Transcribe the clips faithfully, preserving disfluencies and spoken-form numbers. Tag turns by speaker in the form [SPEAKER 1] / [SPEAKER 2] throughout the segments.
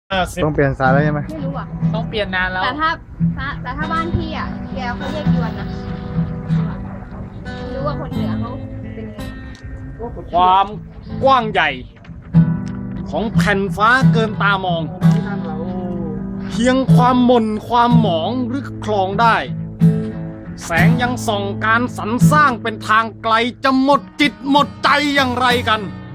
[SPEAKER 1] เออสิบ
[SPEAKER 2] ต้องเปลี่ยนสายแล้วใช่ไหม
[SPEAKER 3] ไม่รู้อ่ะ
[SPEAKER 1] ต้องเปลี่ยนนานแล้ว
[SPEAKER 3] แต่ถ้าถ้าแต่ถ้าบ้านพี่อ่ะแกเขาเรียกยวนนะไม่รู้ว่าคนเหนือเขาเป็นไง
[SPEAKER 1] ความกว้างใหญ่ ของแผ่นฟ้าเกินตามอง เพียงความหม่นความหมองหรือคลองได้ แสงยังส่องการสรรสร้างเป็นทางไกลจะหมดจิตหมดใจอย่างไรกัน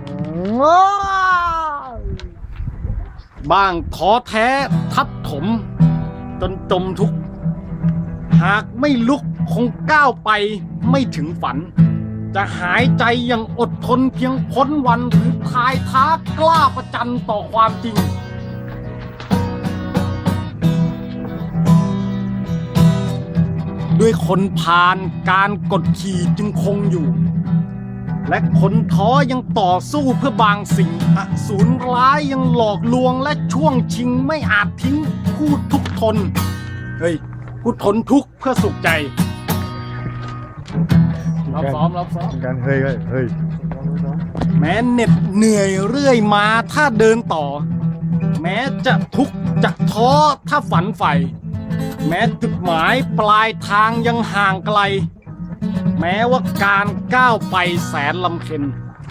[SPEAKER 1] บ้างท้อแท้ทับถม จนจมทุกข์หากไม่ลุกคงก้าวไปไม่ถึงฝัน จะหายใจอย่างอดทนเพียงพ้นวันหรือพายท้ากล้าประจันต่อความจริง ด้วยคนผ่านการกดขี่จึงคงอยู่ และคนท้อยังต่อสู้เพื่อบางสิ่งอสูรร้ายยังหลอกลวงและช่วงชิงไม่อาจทิ้งผู้ทุกข์ทน เฮ้ย ผู้ทนทุกข์เพื่อสุขใจเราซ้อมเราซ้อม
[SPEAKER 2] การเฮ้ยเฮ้ยเฮ้ย
[SPEAKER 1] แม้เหน็ดเหนื่อยเรื่อยมาถ้าเดินต่อ แม้จะทุกข์จะท้อถ้าฝันใฝ่แม้จุดหมายปลายทางยังห่างไกล แม้ว่าการก้าวไปแสนลำเค็ญ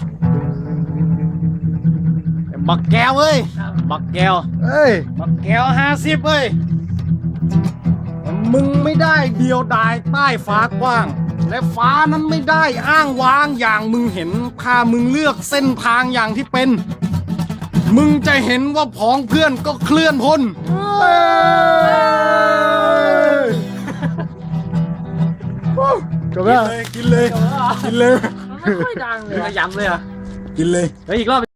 [SPEAKER 1] แต่บักแก้วเอ้ยบักแก้ว
[SPEAKER 2] เอ้ย
[SPEAKER 1] บักแก้วห้าสิบเอ้ยแต่มึงไม่ได้เดียวดายใต้ฟ้ากว้าง และฟ้านั้นไม่ได้อ้างว้างอย่างมึงเห็นถ้ามึงเลือกเส้นทางอย่างที่เป็น มึงจะเห็นว่าพ้องเพื่อนก็เคลื่อนพ้น
[SPEAKER 2] จบแล้ว
[SPEAKER 1] กินเลย กินเลย
[SPEAKER 4] ไม่ค่อยดังเลย
[SPEAKER 1] ย้ำเลยอ่ะ กินเลยแล้วอีกรอบ